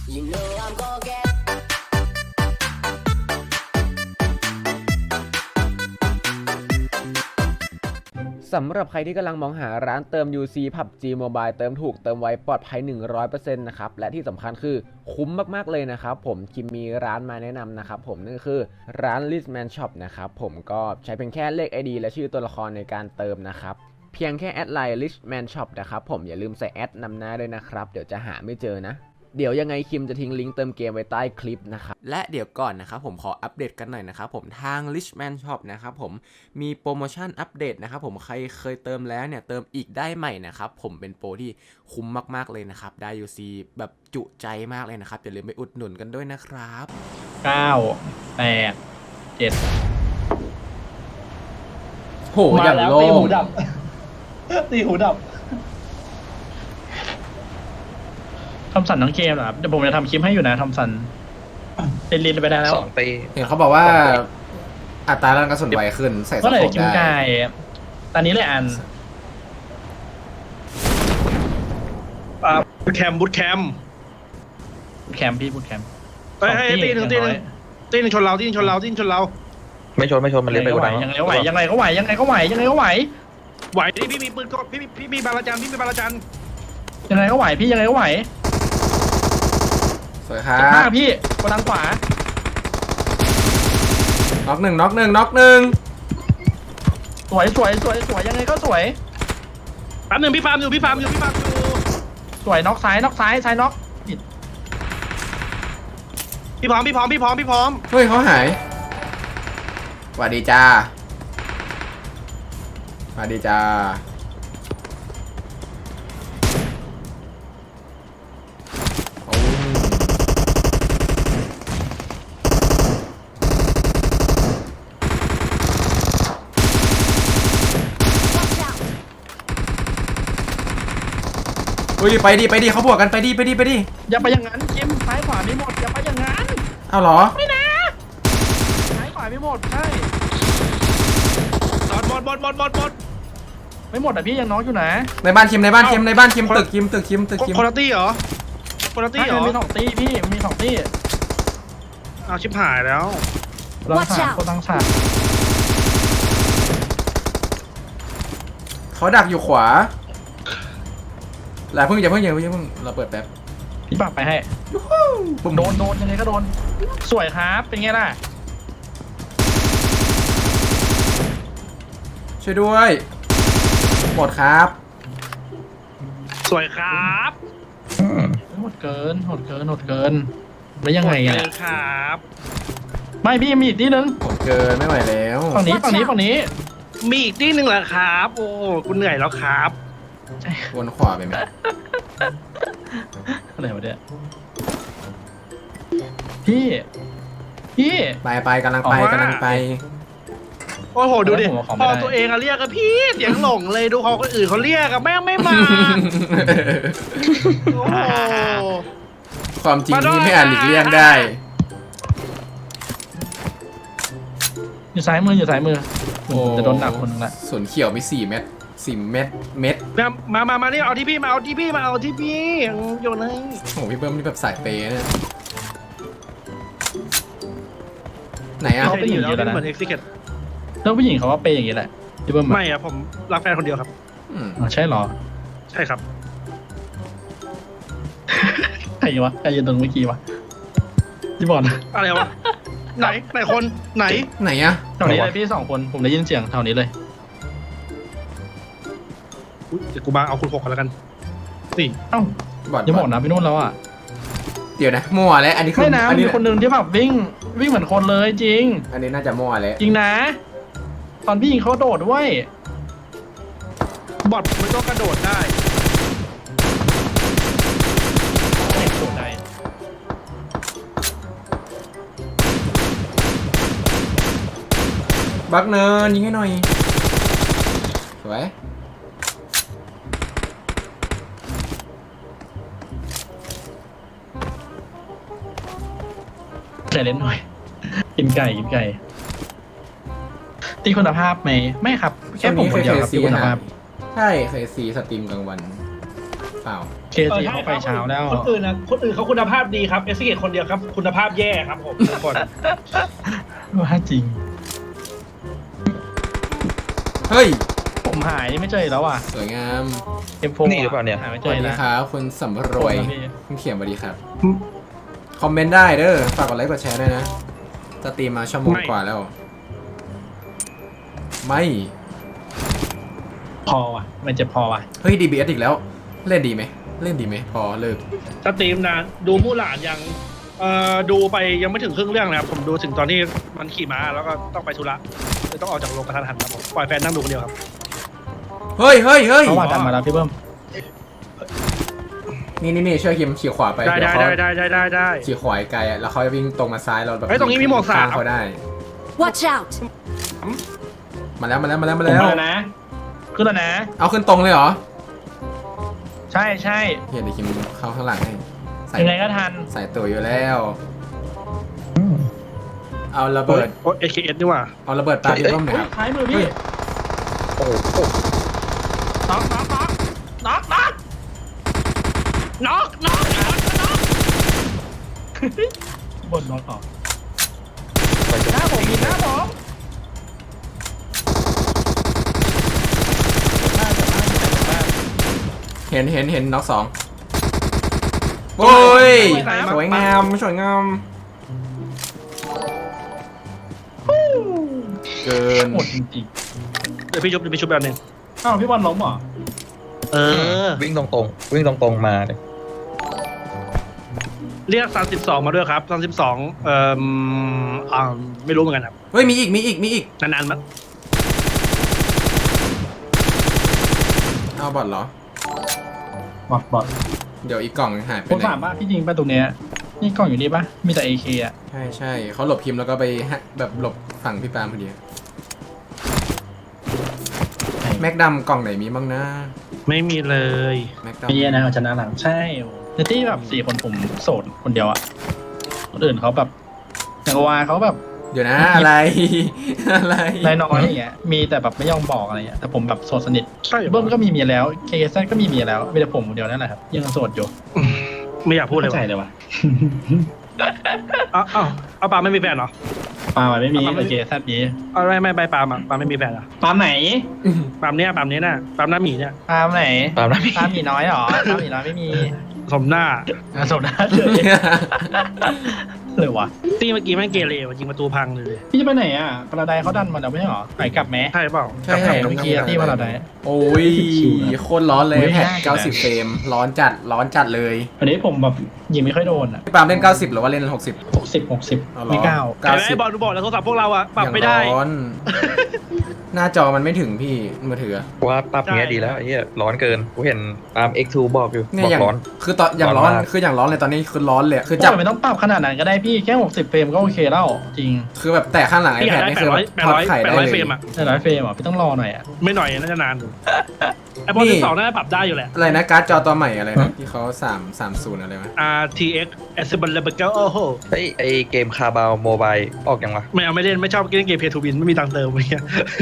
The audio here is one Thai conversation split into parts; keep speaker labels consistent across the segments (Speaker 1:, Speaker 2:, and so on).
Speaker 1: You know I'm gonna get
Speaker 2: สำหรับใครที่กำลังมองหาร้านเติม UC PUBG Mobile เติมถูกเติมไวปลอดภัย 100% นะครับและที่สำคัญคือคุ้มมากๆเลยนะครับผมคิมมีร้านมาแนะนำนะครับผมนั่นก็คือร้าน Richman Shop นะครับผมก็ใช้เพียงแค่เลข ID และชื่อตัวละครในการเติมนะครับเพียงแค่แอดไลน์ Richman Shop นะครับผมอย่าลืมใส่แอดนำหน้าด้วยนะครับเดี๋ยวจะหาไม่เจอนะเดี๋ยวยังไงคิมจะทิ้งลิงก์เติมเกมไว้ใต้คลิปนะครับและเดี๋ยวก่อนนะครับผมขออัปเดตกันหน่อยนะครับผมทาง Richman Shop นะครับผมมีโปรโมชั่นอัปเดตนะครับผมใครเคยเติมแล้วเนี่ยเติมอีกได้ใหม่นะครับผมเป็นโปรที่คุ้มมากๆเลยนะครับได้ UC แบบจุใจมากเลยนะครับอย่าลืมไปอุดหนุนกันด้วยนะครับ
Speaker 3: 9 8 7
Speaker 2: โหอย่างโล่
Speaker 3: ตีหู
Speaker 2: ง
Speaker 3: ดับ ตีหูดับทำสันทั้งเกมเหรอครับเดี๋ยวผมจะทำคลิปให้อยู่นะทำสันเล่นไปได้แล้ว
Speaker 4: 2 ปี
Speaker 2: เห็นเขาบอกว่าอัตราการกระสุนไวขึ้นใส่ส
Speaker 3: ก็เลย
Speaker 2: โคป
Speaker 3: กิน
Speaker 2: ได้
Speaker 3: ไก่ตอนนี้เลยอัน
Speaker 4: บูทแคมป์บูทแคมป์
Speaker 3: แคมป์พี่พูดแคมป์
Speaker 4: เฮ้ยตีหนึ่งตีหนึ่งชนเราตีหนึ่งชนเราตีหนึ่งชนเรา
Speaker 5: ไม่ชนมันเลี้ยงไปกว่านั้น
Speaker 3: ยังไงก็ไหวยังไงก็ไหวยังไงก็ไหวยังไงก็ไหว
Speaker 4: ไหวดิพี่มีปืนก็พี่มีบาลาจันพี่มีบาลาจัน
Speaker 3: ยังไงก็ไหวพี่ยังไงก็ไหว
Speaker 2: สวยครั
Speaker 3: จะฆ่า
Speaker 2: บ
Speaker 3: พี่กดทางขวา
Speaker 2: น็อกหนึ่งน็อกหนึ่งน็อกหนึ่ง
Speaker 3: สวยยังไงก็สวย
Speaker 4: แป๊บหนึ่งพี่ฟาร์มอยู่พี่ฟาร์มอยู่
Speaker 3: สวยน็อกซ้ายน็อกซ้ายน็อกผิด
Speaker 4: พี่พร้อม
Speaker 2: เฮ้ยเขาหายสวัสดีจ้าสวัสดีจ้าโอ้เฮ้ยไปดิเขาบวกกันไปดิ
Speaker 3: อย่าไปอย่างนั้นคิมซ้ายขวาไม่หมดอย่าไปอย่างนั้น
Speaker 2: เอาเหรอ
Speaker 3: ไม่นะซ้ายขวาไม่หมดใช่
Speaker 4: บอด
Speaker 3: ไม่หมดแต่พี่ยังน้องอยู่นะ
Speaker 2: ในบ้านคิมตึกคิม
Speaker 4: คนละตี้เหรอคนละตี้เหรอ
Speaker 3: มีสองตีพี่มีสองตี
Speaker 4: เอาชิบหายแล้ว
Speaker 3: เราสามคนตั้งฉาก
Speaker 2: เขาดักอยู่ขวาอย่าเพิ่งเราเปิดแป๊บ
Speaker 3: พี่ปรับไปให้
Speaker 2: ปุ่ม
Speaker 3: โดนยังไงก็โดนสวยครับเป็นไงล่ะ
Speaker 2: ช่วยด้วยหมดครับ
Speaker 4: สวยครับ
Speaker 3: โหดเกินแล้วยังไงอ่ะ
Speaker 4: ครับ
Speaker 3: ไม่พี่มีอีกทีนึง
Speaker 2: หมดเกินไม่ไหวแล้ว
Speaker 3: ฝั่งนี้
Speaker 4: มีอีกตี้หนึ่งเหรอครับโอ้กูเหนื่อยแล้วครับ
Speaker 2: วนขวาไปไหม
Speaker 3: อะไรวะเนี่ยพี่
Speaker 2: ไปกำลังไป
Speaker 4: โอ้โหดูดิพอตัวเองอะเรียกอะพี่เสียงหลงเลยดูเขาคนอื่นเขาเรียกอะแม่งไม่มาโอ้โห
Speaker 2: ความจริงที่ไม่อาจหลีกเลี่ยงได้
Speaker 3: อยู่ซ้ายมือจะโดนหนักคนนึงละ
Speaker 2: ส่วนเขียวมี4 เม็ด
Speaker 4: มานี่เอาที่พี่มาเอาที่พี่โยนให้
Speaker 2: โอ้โหพี่เบิ้มนี่แบบสายเปย์เนี่ยไหนอ่ะ
Speaker 4: เขาเป็นอยู่แล้วเหมือนเอ็กซิเคท
Speaker 3: เรื่องผู้หญิงเขาว่าเป็นอย่างนี้แหละที่เบิ้ม
Speaker 4: ไม่อะผมรักแฟนคนเดียวครับ
Speaker 3: ใช่หรอ
Speaker 4: ใช่ครับ
Speaker 3: ใครยืนตรงเมื่อกี้วะพี่บอล
Speaker 4: อะไรวะไหนคนไหน
Speaker 2: ไหนอ่ะ
Speaker 3: แถวนี้เลยพี่2 คนผมได้ยินเสียงแถวนี้เลย
Speaker 4: เดี๋ยวกูมาเอาคุณ6กันแล้วกันสี่
Speaker 3: เอ้า
Speaker 2: บอด
Speaker 3: อย่าบอกนะพี่นุ่นแล้วอ่ะ
Speaker 2: เดี๋ยวนะมั่วแล้วอันนี้คือ
Speaker 3: ไม่นะ
Speaker 2: อัน
Speaker 3: มี
Speaker 2: นี้
Speaker 3: คนหนึ่งที่แบบวิ่งเหมือนคนเลยจริง
Speaker 2: อันนี้น่าจะมั่วแล้ว
Speaker 3: จริงนะ ตอนพี่ยิงเขาโดดด้วย
Speaker 4: บอทมันก็กระโดดได้
Speaker 3: โดดได้
Speaker 2: บักเนินยิงให้หน่อยสวย
Speaker 3: ใจเล่นหน่อย กินไก่ตีคุณภาพไหมไม่ครับแค่ผมคนเดียวครับตีคุณภาพ
Speaker 2: ใช่เคยซีสตรีมกลางวันเปล่า
Speaker 5: เค
Speaker 3: ซีเขาไปเช้าแล้ว
Speaker 4: คนอื่นเขาคุณภาพดีครับเอสเกตคนเดียวครับคุณภาพแย่ครับผมทุกคน
Speaker 3: ว่าจริง
Speaker 2: เฮ้ย
Speaker 3: ผมหายไม่เจอแล้วอ่ะ
Speaker 2: สวยงาม
Speaker 3: M4
Speaker 5: นี่หรือเปล่าเนี่ย
Speaker 3: หายไม่
Speaker 2: ส
Speaker 3: เจ
Speaker 2: วั
Speaker 3: อ
Speaker 2: สดี
Speaker 3: นะครับ
Speaker 2: คุณสำรวย
Speaker 3: ผมนะพี่
Speaker 2: คุณเขียนสวัสดีครับ คอมเมนต์ได้เด้อ ฝากกดไลค์กดแชร์ด้วยนะสตรีมมาชั่วโมงกว่าแล้ว ไม่
Speaker 3: พอว่ะ มันจะพอว่ะ
Speaker 2: เฮ้ย DBS อีกแล้ว เล่นดีไหม เล่นดีไหม พอเลิก
Speaker 4: สตรีมนานดูมู่หลานยังดูไปยังไม่ถึงครึ่งเรื่องนะครับผมดูถึงตอนที่มันขี่ม้าแล้วก็ต้องไปธุระเลยต้องออกจากโรงกระทันหันครับผมปล่อยแฟนนั่งดูคนเดียวครับ
Speaker 2: เฮ้ยเฮ้ยเฮ้ย
Speaker 3: เขาว่าดันมาแล้วพี่เบิ้ม
Speaker 2: นี่ช่วยคิมขี่ขวาไป
Speaker 4: ได้
Speaker 2: เดี๋ยว
Speaker 4: ได้
Speaker 2: เขา
Speaker 4: ได้
Speaker 2: ขี่ขวาไกลๆแล้วเขาจะวิ่งตรงมาซ้ายเราแบบ
Speaker 4: เฮ้ยตรงนี้มีหมวกสาม
Speaker 2: ข้งเขาได้
Speaker 1: Watch out!
Speaker 2: มาแล้ว
Speaker 3: ผม
Speaker 2: แล้ว
Speaker 3: มาแล้วนะ ขึ้นแล้วนะ
Speaker 2: เอาขึ้นตรงเลยเหรอ
Speaker 3: ใช่ใช่
Speaker 2: เดี๋ยวคิมเข้าข้างหลังให้ใส่
Speaker 3: ยังไงก็ทัน
Speaker 2: ใส่ตัวอยู่แล้ว เอาระเบิด
Speaker 4: โอ้เอเคเอสนี่ว่า
Speaker 2: เอาระเบิดปาพี่ต้มหน่อยครับ
Speaker 3: ท้ายมือพี่
Speaker 5: โอ้โห
Speaker 3: น็อก บนน็อกต่อ
Speaker 5: ไปจน
Speaker 3: หน้าผมมีหน้าผม
Speaker 2: เห็นน็อกสองโอ้ยสวยงามสวยงามเกิน
Speaker 3: หมดจริง
Speaker 4: เดี๋ยวพี่ชุบแบบนึง
Speaker 3: ๆอ้าวพี่บอลล้มเหรอ
Speaker 4: เออ
Speaker 5: วิ่งตรงๆวิ่งตรงๆมาเลย
Speaker 4: เรียก32มาด้วยครับ32ไม่รู้เหมือนกันครับ
Speaker 2: เฮ้ยมีอีก
Speaker 4: นานๆมา
Speaker 2: เอาบอทเหรอ
Speaker 3: บอด
Speaker 2: เดี๋ยวอีกกล่องหายไป
Speaker 3: ผม
Speaker 2: ไหน
Speaker 3: ถามว่าพี่จริงป่ะตรงเนี้ยนี่กล้องอยู่นี่ป่ะ มีแต่ AK อ่ะ
Speaker 2: ใช่เขาหลบคิมแล้วก็ไปแบบหลบฝั่งพี่ปาล์มพอดีแม็กดำกล่องไหนมีบ้างนะ
Speaker 4: ไม่มีเลย
Speaker 2: แม็กด
Speaker 3: มีนะเอาชนะหลังใช่ในที่แบบ4 คนผมโสดคนเดียวอ่ะคนอื่นเขาแบบอย่างกว่าเขาแบบ
Speaker 2: ำเดี๋ยวนะ อะไร อะไร
Speaker 3: น้อยๆอย่างเงี้ย มีแต่แบบไม่ยอมบอกอะไรเงี้ย แต่ผมแบบโสดสนิท
Speaker 4: ใช่
Speaker 3: เบิ้มก็มีเมียแล้ว KZ ก็มีเมียแล้วมีแต่ผมคนเดียวนั่นแหละครับยังโสดอยู่
Speaker 4: ไม่อยากพูดเลย
Speaker 3: เข้าใจ
Speaker 4: ว่ะ
Speaker 3: เลยว่ะ
Speaker 4: เอาปาไม่มีแฟนเหรอ
Speaker 3: ปาล์มไม่มีแต่ KZ มี
Speaker 4: เอาไม่ปาไม่มีแฟนเหรอ
Speaker 3: ปาล์มไหน
Speaker 4: ปานี้น่ะปาหน้าหมีเนี่ย
Speaker 3: ปาล์มไหน
Speaker 5: ตามนั้น
Speaker 3: ปาล์มหมีน้อยเหรอปาล์มหมีน้อยไม่มี
Speaker 4: สมหน้า
Speaker 3: โสดนะเลยเลยวะ
Speaker 4: ตีเมื่อกี้แม่งเกเรว่ะยิงประตูพังเลย
Speaker 3: พี่จะไปไหนอ่ะพาราไดเขาดันมาแล้วไม่ใช่เหรอไปกลับแม้
Speaker 4: ใช่เปล่า
Speaker 2: ใช่
Speaker 3: เมื่อกี้ที่พาราได
Speaker 2: โอ้ยโคตรร้อนเลย
Speaker 3: ไม่
Speaker 2: แพ็
Speaker 3: ได้
Speaker 2: ค90 เฟรม ร้อนจัดเลย
Speaker 3: อันนี้ผมแบบยิงไม่ค่อยโดนอ่ะ
Speaker 2: พี่ปาล์มเล่น 90 หรือว่าเล่น 60
Speaker 3: 60
Speaker 2: เอาเหรอ
Speaker 3: ไม่เก้า
Speaker 4: แต่ไอ้บอลบอกแล้วโทรศัพท์พวกเราอะปรับไม่ได้
Speaker 2: อย่างร้อน หน้าจอมันไม่ถึงพี่มือถือ
Speaker 5: ว่าปรับเงี้ยดีแล้วไอ้เหี้ยร้อนเกินกูเห็นตาม X2 บอกอยู่
Speaker 2: เนี่ย
Speaker 5: บอก
Speaker 2: อย่าง
Speaker 5: ร้อน
Speaker 2: คือตอนอย่างร้อน
Speaker 5: ร้อนมาก
Speaker 2: คืออย่างร้อนเลยตอนนี้คือร้อนเลยคือ
Speaker 3: จั
Speaker 2: จั
Speaker 3: บบ ไม่ต้องปรับขนาดนั้นก็ได้พี่แค่60 เฟรมก็โอเคแล้วจริง
Speaker 2: คือแบบแต่ข้างหลัง
Speaker 4: พี่อยาก
Speaker 2: iPad
Speaker 4: ได้
Speaker 2: นี่คือแบบทอดไข่ได้
Speaker 4: 800
Speaker 2: เล
Speaker 4: เฟร
Speaker 2: ย
Speaker 4: มอะ
Speaker 3: แต่100 เฟรมอ่ะพี่ต้องรอหน่อยอ่ะ
Speaker 4: ไม่หน่อยน่าจะนานอยู่ไอ้บอล
Speaker 2: นี่
Speaker 4: 12น่าจะปรับได้อยู่แหละ
Speaker 2: อะไรนะการ์ดจอตัวใหม่อะไรนะที่เขา330อะไรวะ
Speaker 4: RTX Accessible โอ้โห
Speaker 5: เฮ้ยไอเกมคาบาวโมบายออกยังวะ
Speaker 4: ไม่เล่นไม่ชอบเล่นเกมเพย์ทูวินไม่มีตังค์เติมอะไรเงี้ย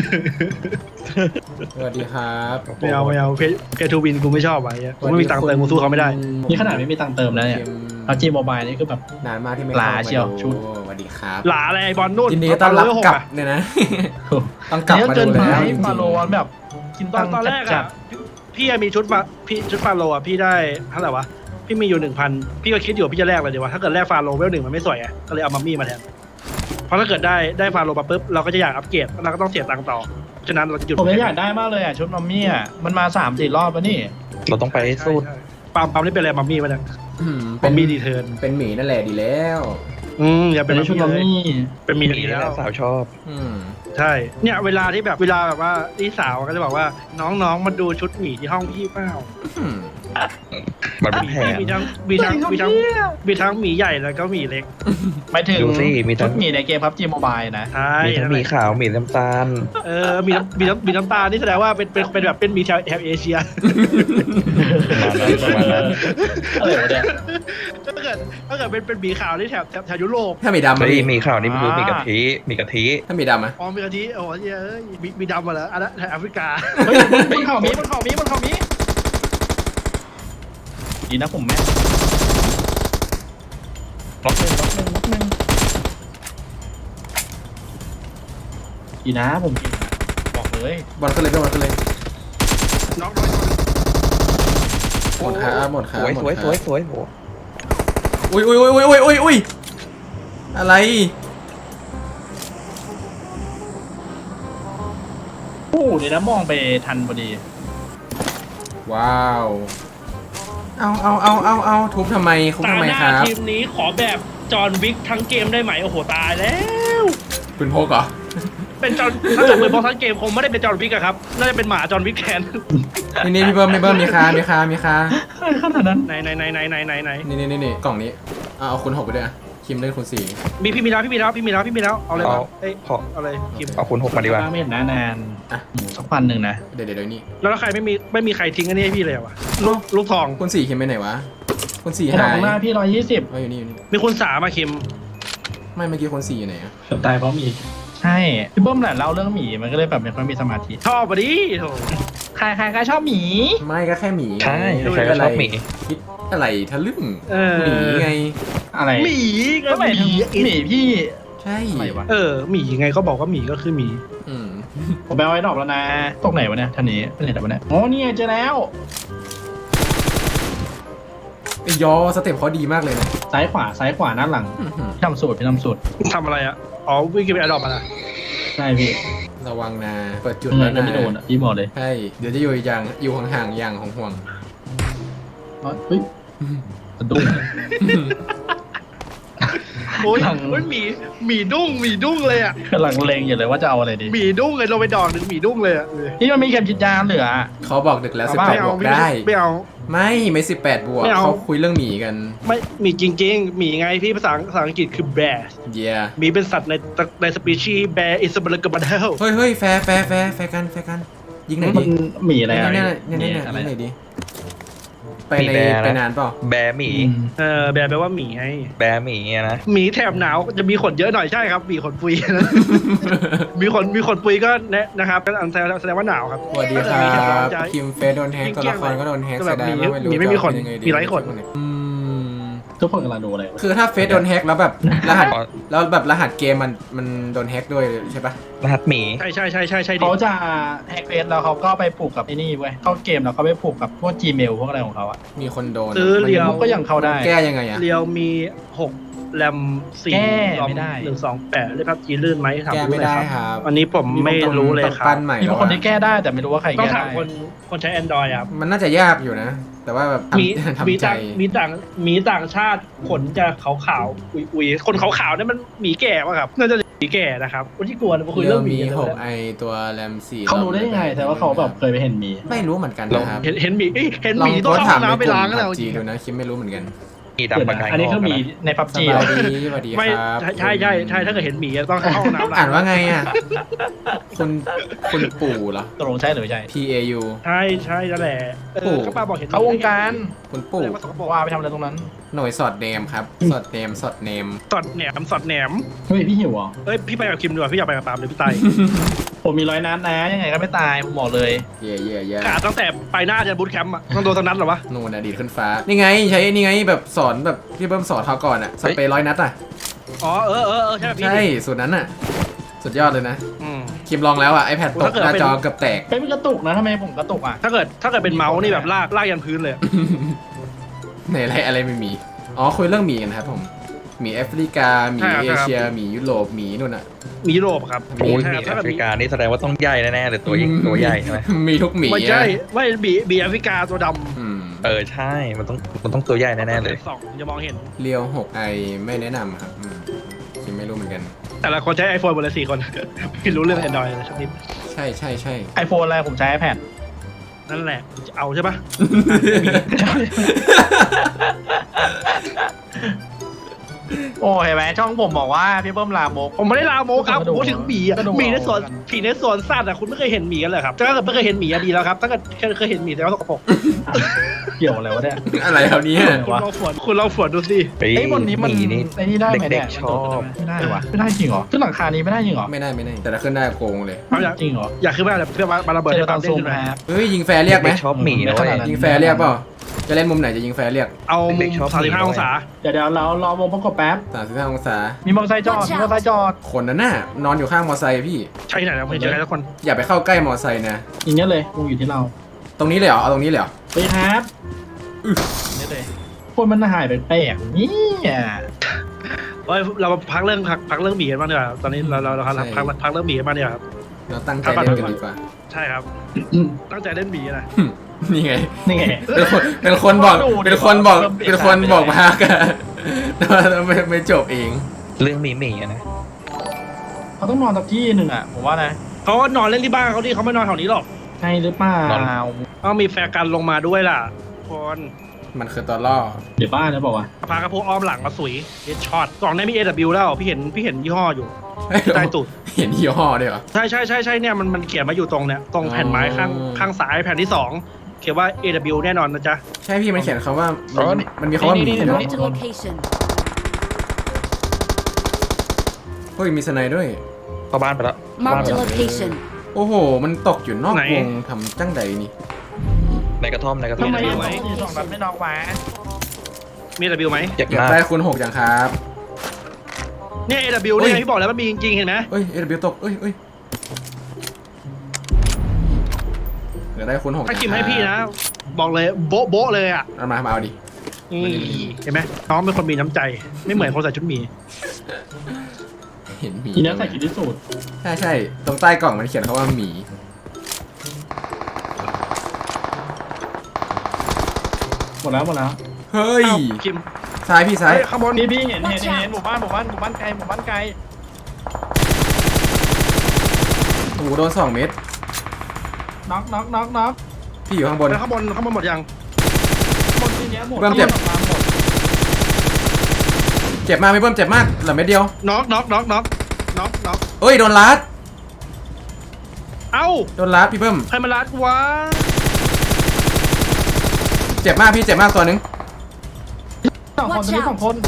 Speaker 2: สวัสดีครับ
Speaker 4: ไม่เอาเพย์ทูวินกูไม่ชอบไว้กูไม่มีตังค์เติมกูสู้เขาไม่ได้
Speaker 3: นี่ขนาดไม่มีตังค์เติมแล้วเนี่ยเอาจีโมบายนี่คือแบบ
Speaker 2: นานมากที่ไม่
Speaker 3: ลา
Speaker 2: เข้ามา
Speaker 3: เชียว
Speaker 2: ดู
Speaker 3: ชุด
Speaker 2: สวัสดีครับ
Speaker 4: หลาอะไรไอ้บอลนู่น
Speaker 2: ยินดีต้อนรับกลับเนี่ยนะ ต้องกลับ
Speaker 3: นี่
Speaker 2: มา
Speaker 3: เกิ
Speaker 2: ดู
Speaker 3: นไป
Speaker 2: แล้วจริง
Speaker 3: ฟาโลนแบบกิน
Speaker 4: ต
Speaker 3: ตั
Speaker 4: อง น
Speaker 3: ค์
Speaker 4: ตอนแรก
Speaker 3: จั
Speaker 4: อะ
Speaker 3: ด
Speaker 4: พี่มีชุดฟาโลอะพี่ได้เท่าไหร่วะพี่มีอยู่ 1,000พี่ก็คิดอยู่พี่จะแลกเลยดีวะถ้าเกิดแลกฟาโลเวล 1มันไม่สวยอะก็เลยเอามัมมี่มาแทนเพราะถ้าเกิดได้ฟาโลมาปุ๊บเราก็จะอยากอัปเกรดเราก็ต้องเสียตังค์ต่อฉะนั้นเราจะหยุด
Speaker 3: ผมยังอยากได้มากเลยอ่ะชุดมัมมี่อ่ะมันมา 3-4 รอบแล้วนี่
Speaker 5: เราต้องไปให้สู้
Speaker 4: ใช่ปั๊มนี่เป็นอะไรมัมมี่มาเนี่ย
Speaker 2: อืม
Speaker 4: มัมมี่ดีเทิร์น
Speaker 2: เป็นหมีนั่นแหละดีแล้ว
Speaker 4: อย่า
Speaker 3: เป็
Speaker 4: เป็น น
Speaker 3: ชุดมัมมี่
Speaker 4: เป็นมี
Speaker 5: มี
Speaker 4: ดี
Speaker 5: แล้
Speaker 4: แล้ว ว
Speaker 5: สาวชอบ
Speaker 2: อืม
Speaker 4: ใช่เนี่ยเวลาแบบว่าพี่สาวก็จะบอกว่าน้องมาดูชุดหมีที่ห้องพี่เปล่า
Speaker 2: อืม
Speaker 5: มันเป็นแผน
Speaker 4: มีทั้งหมีใหญ่แล้วก็หมีเล็ก
Speaker 3: หมายถึง
Speaker 5: ดูสิมีทั้
Speaker 3: ชุ
Speaker 5: ง
Speaker 3: ดหมีในเกมพับจีโมบายนะ
Speaker 4: ใช่
Speaker 5: มีทั้งหมีขาวหมีน้ำตาล
Speaker 4: มีน้ำตาลนี่แสดงว่าเป็นแบบเป็นหมีแถบเอเชีย
Speaker 5: ประมาณนั้น
Speaker 3: อะไรวะเนี่ย
Speaker 4: ถ้าเกิดเป็นหมีขาวนี่แถบยุโรป
Speaker 2: ถ้าหมีดำ
Speaker 5: เฮ้
Speaker 2: อะ
Speaker 5: ย
Speaker 2: พี่
Speaker 5: หมีขาวนี่มันคือหมีกะทิหมีกะทิ
Speaker 2: ถ้าหมีดำอะ
Speaker 4: อ๋อมีกะทิโอ้ยมีดำมาแล้วอันนั้นแถบแอฟริกา
Speaker 3: เฮ้ยบนเขามีดีนะผมแม่ล็อกหนึ่งดีนะผมกินนะบอกเลย
Speaker 2: บอลขึ้นเลยบอลขึ้นเลย
Speaker 4: น้อง
Speaker 2: หมดขาหมดขา
Speaker 5: สวย
Speaker 2: หมด
Speaker 5: สวย
Speaker 2: ขา
Speaker 5: สวยสวยโห
Speaker 2: อุ้ยอะไร
Speaker 3: โอ้เดี๋ยวนะมองไปทันพอดี
Speaker 2: ว้าวเอาทุบทำไมทุบ
Speaker 4: ตา
Speaker 2: ทำไม
Speaker 4: หน้า
Speaker 2: ครับ
Speaker 4: ทีมนี้ขอแบบจอห์นวิกทั้งเกมได้ไหมโอ้โหตายแล้ว
Speaker 2: ปืนพกเหรอ
Speaker 4: เป็นจอห์นถ้าเกิดเป็นบอลทั้งเกมคงไม่ได้เป็นจอห์นวิกอะครับน่าจะเป็นหมาจอห์นวิกแทน
Speaker 2: นี่พี่เบิ้มมีคา
Speaker 3: ขนาดนั้น
Speaker 4: ไหน
Speaker 2: นี่กล่องนี้เอาคุณหกไปด้วยอะคิมเล่นคุณสี่
Speaker 4: พี่มีแล้วเอาเลยมาเอ้ย
Speaker 5: ขอ
Speaker 4: เอาเลยคิม
Speaker 5: เอาคุณ6มาดีกว่า
Speaker 3: ไม่เห็นนานหมูสักพันหนึ่งนะ
Speaker 2: เดี๋ยวนี่
Speaker 4: แล้วใครไม่มีใครทิ้งอันนี้ให้พี่เลยเหรอวะลูกทอง
Speaker 2: คุณสี่คิมไปไหนวะคุณสี่
Speaker 3: ไอ้
Speaker 2: หา
Speaker 3: ข
Speaker 2: ย
Speaker 3: องหน้าพี่120
Speaker 2: อยู่นี่
Speaker 4: มีคุณสามาคิม
Speaker 2: ไม่เมื่อกี้คุณสี่อยู่ไหนอะ
Speaker 3: ตายเพราะหมีใช่พี่เบิ้มแหละเล่าเรื่องหมีมันก็เลยแบบไม่ค่อยมีสมาธิ
Speaker 4: ชอบปะดิโถ
Speaker 3: ใครชอบหมี
Speaker 2: ไม่ก็แค่หมี
Speaker 5: ใช่
Speaker 2: ไง
Speaker 5: ใครก็ชอบหมี
Speaker 2: คิดอะไรทะลึ่ง
Speaker 4: เออ
Speaker 2: หมีไง
Speaker 3: อะไร
Speaker 4: หมีก็
Speaker 3: ก็
Speaker 4: ห
Speaker 3: หมายถึง
Speaker 4: มี
Speaker 3: หมีพี่
Speaker 2: ใช่
Speaker 3: อะไรวะ
Speaker 4: หมีไงก็บอกว่าหมีก็คือหมี
Speaker 2: อืม
Speaker 3: ผมไปเอาไว้ดอกแล้วนะตกไหนวะเนี่ยท่านนี้เป็นไหนวะเนี่ยอ๋อนี่ไงเจอแล้ว
Speaker 2: ไอ้ยอสเต็ปเขาดีมากเลยนะ
Speaker 3: ซ้ายขวาหน้าหลัง
Speaker 2: อื้อหือ
Speaker 3: พี่ทำสูตร
Speaker 4: ทำอะไรอะอ๋อวิ่งไปอดอปมาละ
Speaker 3: ใช่พี่
Speaker 2: ระวังนะเปิดจุด
Speaker 3: เงิ
Speaker 2: แล้ว
Speaker 3: น
Speaker 2: นะ
Speaker 3: ไม่โดนอ่ะพี่บอกเลย
Speaker 2: ใช่เดี๋ยวจะอยู่ห่างๆอย่างห่วง
Speaker 3: เฮ้ยสะดุ้ง
Speaker 4: โอ้ย
Speaker 3: หลัง
Speaker 4: หมีดุ้งเลยอะ
Speaker 3: กำลังเลงอยู่เลยว่าจะเอาอะไรดี
Speaker 4: หมีดุ้งเลยลงไปดอกหนึ่งหมีดุ้งเลยอะ
Speaker 3: พี่มันมีเข็มฉีดยาเหลือ
Speaker 2: ๆเขาบอกดึกแล้ว
Speaker 3: เอา
Speaker 2: สิบ
Speaker 3: เป
Speaker 2: แป
Speaker 3: ล่า
Speaker 2: ดบวก
Speaker 4: ไม่
Speaker 2: ได้
Speaker 4: ไม่
Speaker 2: 18 บวก
Speaker 4: ไม่เอา
Speaker 2: เขาคุยเรื่องหมีกัน
Speaker 4: ไม่หมีจริงๆหมีไงพี่ภาษาอังกฤษคือ bear
Speaker 2: เยีย
Speaker 4: หมีเป็นสัตว์ในสปีชีส์ bear is a b l a c k b a d l
Speaker 2: เฮ้ยแฟร์กันยิงไหน
Speaker 3: มั
Speaker 2: ดิ
Speaker 3: นหมีอะไร
Speaker 2: เนี่ย
Speaker 3: อะไร
Speaker 2: ยิงไหนดิไป
Speaker 5: มีแบร์นะ
Speaker 2: ไปนานเปล่า
Speaker 5: แบร์หมี
Speaker 4: bear แปลว่าหมีไง
Speaker 5: แบร์หมีอะนะ
Speaker 4: หมีแถบหนาวจะมีขนเยอะหน่อยใช่ครับหมีขนปุยนะ มีขนปุยก็นะครับก็แสดงว่าหนาวครับ
Speaker 2: สวัสดีค
Speaker 4: ถ้า
Speaker 2: รั
Speaker 4: เกิดมีแถบร้อน
Speaker 2: บ
Speaker 4: จะ
Speaker 2: คิมเฟสโดนแฮกตัวละครก็โดนแฮก
Speaker 4: ก็
Speaker 2: เสี
Speaker 4: แบบ
Speaker 2: ยดายมาก
Speaker 4: หมีไม่มีขน
Speaker 2: จะเอายังงดี
Speaker 4: มีไร้ขน
Speaker 2: อืม
Speaker 3: ทุกคนกำลังดูอะไร
Speaker 2: คือถ้าเฟสโดนแฮกแล้วแบบรหัสแล้วแบบรหัสเกมมันโดนแฮกด้วยใช่ปะ
Speaker 5: รหัสหมี
Speaker 4: ใช่ดิ
Speaker 3: เขาจะแฮกเฟซแล้วเขาก็ไปผูกกับไอ้นี่เว้ยเข้าเกมแล้วเขาไปผูกกับพวก Gmail พวกอะไรของเขาอะ
Speaker 2: มีคนโดน
Speaker 4: ซื้อเรียว
Speaker 3: ก็ยังเข้าได้
Speaker 2: แก้ยังไงอะ
Speaker 4: เรียวมี6แรม
Speaker 3: แก้
Speaker 4: 4
Speaker 3: ไม่ได้
Speaker 4: 128เล่นพับจีลื่นไหมถาม
Speaker 2: แก้
Speaker 4: ดู
Speaker 2: ไม่
Speaker 4: หน่
Speaker 2: ได้
Speaker 4: อย
Speaker 2: ครับ
Speaker 4: อันนี้ผมไม่รู้เลย
Speaker 2: ต้อง
Speaker 4: ครับ
Speaker 2: ปั้นใหม่
Speaker 3: มี
Speaker 2: แล้ว
Speaker 3: คน
Speaker 2: อะ
Speaker 3: ที่แก้ได้แต่ไม่รู้ว่าใคร
Speaker 4: ต้อง
Speaker 3: แก้
Speaker 4: ถาม
Speaker 3: ได้
Speaker 4: คนใช้ Android ครับ
Speaker 2: มันน่าจะยากอยู่นะ แต่ว่าแบบ
Speaker 4: มี
Speaker 2: ทำใจ
Speaker 4: มีต่างชาติขนจะขาวๆอุยคนขาวๆนั่นมันหมีแก่ป่ะครับน่าจะหมีแก่นะครับคนที่กลัวมาคุย
Speaker 2: เรื่
Speaker 4: เรื่
Speaker 2: อ
Speaker 4: อง งหมี
Speaker 2: มี
Speaker 4: กัน
Speaker 2: หก
Speaker 4: เลย
Speaker 2: ไอตัวแรมสี่
Speaker 3: เขารู้ได้ยังไง แต่ว่าเขาแบบเคยไปเห็นหมี
Speaker 2: ไม่รู้เหมือนกันนะครับ
Speaker 4: เห็นหมีเห็น
Speaker 2: ล
Speaker 4: ห
Speaker 2: อง
Speaker 4: มี
Speaker 2: โพ
Speaker 4: ต้อง
Speaker 2: สต์
Speaker 4: เข้า
Speaker 2: ถาม
Speaker 4: ห้อง
Speaker 2: ใน
Speaker 4: น้ำไป
Speaker 2: กลุ่
Speaker 4: ล้าง
Speaker 2: ม
Speaker 4: กันแล้ว
Speaker 2: ผับจีดูนะคิมไม่รู้เหมือนกัน
Speaker 5: หมีดำประกาย
Speaker 3: อันนี้คือหมีในพับ
Speaker 2: ส
Speaker 3: จี
Speaker 2: บายดีสวัสดี
Speaker 4: ไม่
Speaker 2: ครับ
Speaker 4: ใช่ถ้าเกิดเห็นหมีต้องเข้าห้องน้ำ
Speaker 2: อ่านว่าไงอ่ะคุณปู่เหรอ
Speaker 3: ตกลงใช่หรือไม่ใช่
Speaker 2: P A U
Speaker 4: ใช่นั่นแหละเขาป้าบอกเห็น
Speaker 3: เขาวงการ
Speaker 2: คุณปู่
Speaker 3: ว่าไปทำอะไรตรงนั้น
Speaker 2: หน่วยสอดเนมครับสอดเนม
Speaker 4: สอดแหนม
Speaker 3: เฮ้ยพี่หิวเหรอ
Speaker 4: เอ้ยพี่ไปกับคิมดีกว่าพี่อยากไปกับปาล์มหรือพี่ไต
Speaker 3: ผมมี100 นัดนะยังไงก็ไม่ตายผมบอกเลย
Speaker 2: เย่
Speaker 4: กาตั้งแต่ไปหน้าจะบูทแคมป์อ่ะต้องโดนทั้งนั้นเหรอวะ
Speaker 2: นู่นอดีตขึ้นฟ้า นี่ไงใช้นี่ไงแบบสอนแบบที่เบิ้มสอนเขาก่อนอ่ะสเปรย์100 นัดอ่ะ
Speaker 4: อ๋อใช่พี่
Speaker 2: ใช่สูตรนั้นอ่ะ สุดยอดเลยนะ
Speaker 4: อืม
Speaker 2: คิมลองแล้วอ่ะ iPad ตก
Speaker 4: ถ้าเกิด
Speaker 2: หน้า
Speaker 4: เป็น
Speaker 2: จอเกือบแตก
Speaker 3: เฮ้ยมันกระตุกนะทำไมผมกระตุกอ่ะ
Speaker 4: ถ้าเกิดเป็นเมาส์นี่แบบลากยันพื้นเลย
Speaker 2: ไหนอะไรไม่มี อ๋อคุยเรื่องหมีกันครับผมหมีแอฟริกาหมี
Speaker 4: ใช่ครับ
Speaker 2: เอเชียหมียุโรปหมีนู่นอ่ะ
Speaker 4: มียุโรปครับ
Speaker 5: โอ้ยห
Speaker 4: ใช่
Speaker 5: มี
Speaker 4: ครับ
Speaker 5: แอฟริกานี่แสดงว่าต้องใหญ่แน่ๆเลยตัวยิ่งตัวใหญ่ใช่ไหม
Speaker 2: มีทุกหมี
Speaker 4: ไม่ใช่
Speaker 2: อะ
Speaker 4: ไม่บีแอฟริกาตัวด
Speaker 2: อืม
Speaker 5: ใช่มันต้องตัวใหญ่
Speaker 4: ำ
Speaker 5: แน่ๆเลย
Speaker 4: สองจะมองเห็น
Speaker 2: เรียว6ไอไม่แนะนำครับคิมไม่รู้เหมือนกัน
Speaker 4: แต่ละคนใช้ iPhone หมดเลย4 คน ไม่รู้เรื่อง Android เลยสักนิด
Speaker 2: ใช่
Speaker 3: ไอโฟนอะไรผมใช้ iPad
Speaker 4: นั่นแหละจะเอาใช่ปะ
Speaker 3: โอ้เห็นไหมช่องผมบอกว่าพี่เบิ้มลามก
Speaker 4: ผมไม่ได้ลาโมครับผมพูดถึงหมีอ่ะ
Speaker 3: ก็ดู
Speaker 4: หมีในสวน
Speaker 3: เอากัน
Speaker 4: ผีในสวนสัตว์อ่ะคุณไม่เคยเห็นหมีกันเลยครับถ้าเกิดไม่เคยเห็นหมีอะดีแล้วครับถ้าเกิดเคยเห็นหมีแต่ว่าสกปรก
Speaker 3: เกี่ยวอะไรวะเนี่ย
Speaker 2: อะไรครับเนี่ย
Speaker 4: คุณลองฝวนดูสิ
Speaker 3: ไอ้ยบนนี้มัน
Speaker 5: หนี่
Speaker 3: ไอ้นี่ได้ไหม
Speaker 5: เด็
Speaker 3: เนี่ย
Speaker 5: กๆชอบ
Speaker 3: ไม่ได้วะไม่ได้จริงเหรอขึ้นหลังคานี้ไม่ได้จริงเหรอ
Speaker 2: ไม่ได้แต่ถ้าขึ้นได้โกงเลย
Speaker 4: เอาอยาก
Speaker 3: จริงเหรอ
Speaker 4: อยากขึ้นมาแบบเพื่อมาระเบิด
Speaker 3: เจอ
Speaker 4: ให้
Speaker 3: ต
Speaker 4: ตา
Speaker 3: อ
Speaker 4: ม
Speaker 3: น
Speaker 4: เด้
Speaker 3: ซู
Speaker 4: ง
Speaker 3: ม
Speaker 4: ขึ้นมา
Speaker 3: ครับ
Speaker 2: เฮ้ยยิงแฟร์เรียกไหม
Speaker 5: ชอบหมีนะเว้ย
Speaker 2: ยิงแฟร์เรียกเปล่าจะเล่นมุมไหนจะยิงแฟร์เรียก
Speaker 4: เอามุม35 องศา
Speaker 3: เดี๋ยวเรารอวงประกบแป๊บ
Speaker 2: 35องศา
Speaker 3: มีมอเตอร์ไซค์จอด มีมอเตอร์ไซค์จอด
Speaker 2: คนนั้นน่ะนอนอยู่ข้างมอไซค์พี่
Speaker 4: ใช่ไหนนะไม่เจอใครทุกคน
Speaker 2: อย่าไปเข้าใกล้มอไซค์นะ
Speaker 3: อย่างเงี้ยเลยวงอยู่ที่เรา
Speaker 2: ตรงนี้เลยเหรอเอาตรงนี้เลยเหรอ
Speaker 3: ไปครับอย่างเงี้ยเลยคนมันหายไปแปลกๆนี่อ่ะ
Speaker 4: เฮ้ยเราพักเรื่องหมีกันบ้างดีกว่าตอนนี้เราพักเรื่องหมีกันบ้างดีกว่าครับ
Speaker 2: เราตั้งใจเล่นกันดีกว่า
Speaker 4: ใช่ครับ ตั้งใจเล่นหมีนะ
Speaker 2: นี่ไง
Speaker 3: นี่ไง
Speaker 2: เป็นคนบอกมากันแต่ว่าไม่จบเอง
Speaker 5: เรื่องหมีอะนะ
Speaker 3: เขาต้องนอนสักที่หนึ่งอ่ะผมว่านะ
Speaker 4: เขาก็นอนเล่นที่บ้านเขาดิเขาไม่นอนแถวนี้หรอก
Speaker 3: ใช่หรือเปล่า
Speaker 4: ต้องมีแฟร์กันลงมาด้วยล่ะคน
Speaker 2: มันคือตัวล่อ
Speaker 3: เดี๋ยวบ้านนะบอกว่า
Speaker 4: พากระโพกอ้อมหลังมาสุยเฮดช็อตกล่องนี้มี AW แล้วพี่เห็นยี่ห้ออยู่ใต้ตูด
Speaker 2: เห็นยี่ห้อด้วยเหรอ
Speaker 4: ใช่เนี่ยมันเขียนมาอยู่ตรงเนี่ยตรงแผ่นไม้ข้างซ้ายแผ่นที่ 2 เขียนว่า AW แน่นอนนะจ๊ะ
Speaker 2: ใช่พี่มันเขียนคำว่ามันมีคำว่าหมีเนาะ
Speaker 1: Marked a location.
Speaker 2: เฮ้ยมีสไนด์ด้วย
Speaker 5: เข้าบ้านไปแล้ว
Speaker 1: Marked a location.
Speaker 2: โอ้โห มันตกอยู่นอกวงทำจังใดนี่
Speaker 5: ในกระท่อม
Speaker 3: ทำไม
Speaker 4: ไหม
Speaker 3: สองนัดไม่นอกวะ
Speaker 4: มี AW ไหม
Speaker 5: เจ็บ
Speaker 2: เก็บ
Speaker 5: มาก
Speaker 2: ได้คูณ6อย่างครับ
Speaker 4: เนี่ย AW เนี่ยพี่บอกแล้วมันมีจริงๆเห็นไหม
Speaker 2: เอ้ย AW ตกเอ้ยเหลือได้คูณ6
Speaker 4: ถ้ากิมให้พี่นะ บอกเลยโบ๊ะเลยอ่ะ
Speaker 2: เอามาเอาดิ
Speaker 4: นี่เห็นไหมน้องเป็นคนมีน้ำใจ ไม่เหมือนคนใส่ชุดหมี
Speaker 2: เห็นหมี
Speaker 3: ทีนี้ใส่กินที่สุด
Speaker 2: ใช่ตรงใต้กล่องมันเขียนคำว่าหมี
Speaker 3: หมดแล้ว
Speaker 2: เฮ้ย
Speaker 4: เอ้าคิม
Speaker 2: ซ้ายพี่ซ้าย
Speaker 4: เฮ้ยข้างบน
Speaker 3: พี่เห็นหมู่บ้านไกล
Speaker 2: โอ้โหโดน2 เม็ด
Speaker 3: น็อก
Speaker 2: พี่อยู่ข้างบน
Speaker 4: แล้วข้างบนหมดยัง
Speaker 3: หมดทีเนี้ยหมด
Speaker 2: เริ่มเจ็บ เจ็บมากพี่เบิ้มเจ็บมากเหลือเม็ดเดียว
Speaker 4: น็อก
Speaker 2: เอ้ยโดนลัด
Speaker 4: เอ้า
Speaker 2: โดนลัดพี่เบิ้ม
Speaker 4: ใครมาลัดวะ
Speaker 2: เจ็บมากพี่เจ็บมากตัวนึง
Speaker 3: สองคนตัวนี้สองคน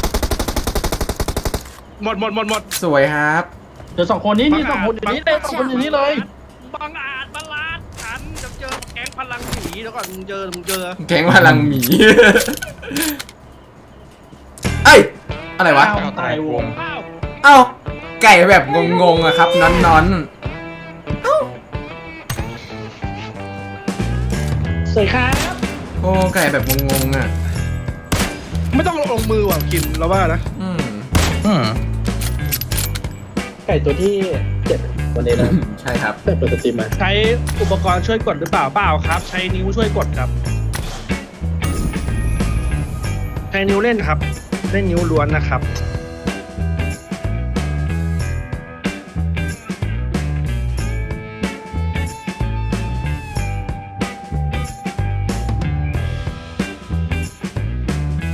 Speaker 4: หมด
Speaker 2: สวยครับ
Speaker 3: เดี๋ยวสองคนนี้นี่สองคนอยู่นี่เลยสองคนอยู่นี่เลย
Speaker 4: บังอาจมาลัดฉันจะเจอแก๊งพลังหมีแล้วก่อนมึงเจอ
Speaker 2: แก๊งพลังหมี เอ้ยอะไรวะ
Speaker 3: อ้าวตายวง
Speaker 4: อ้าว
Speaker 2: เอ้าไก่แบบงงๆอะครับนอน
Speaker 4: สวยครับ
Speaker 2: ๆโอ้ไก่แบบงงๆอะ
Speaker 4: ไม่ต้องลงมือว่ะคิมเราว่านะ
Speaker 2: อืม
Speaker 3: ไก่ตัวที่เจ็บวันนี้นะ
Speaker 2: ใช่ครับ
Speaker 3: เปิดสตรีมมา
Speaker 4: ใช้อุปกรณ์ช่วยกดหรือเปล่าครับ ใช้นิ้วช่วยกดครับใช้นิ้วเล่นครับเล่นนิ้วล้วนนะครับ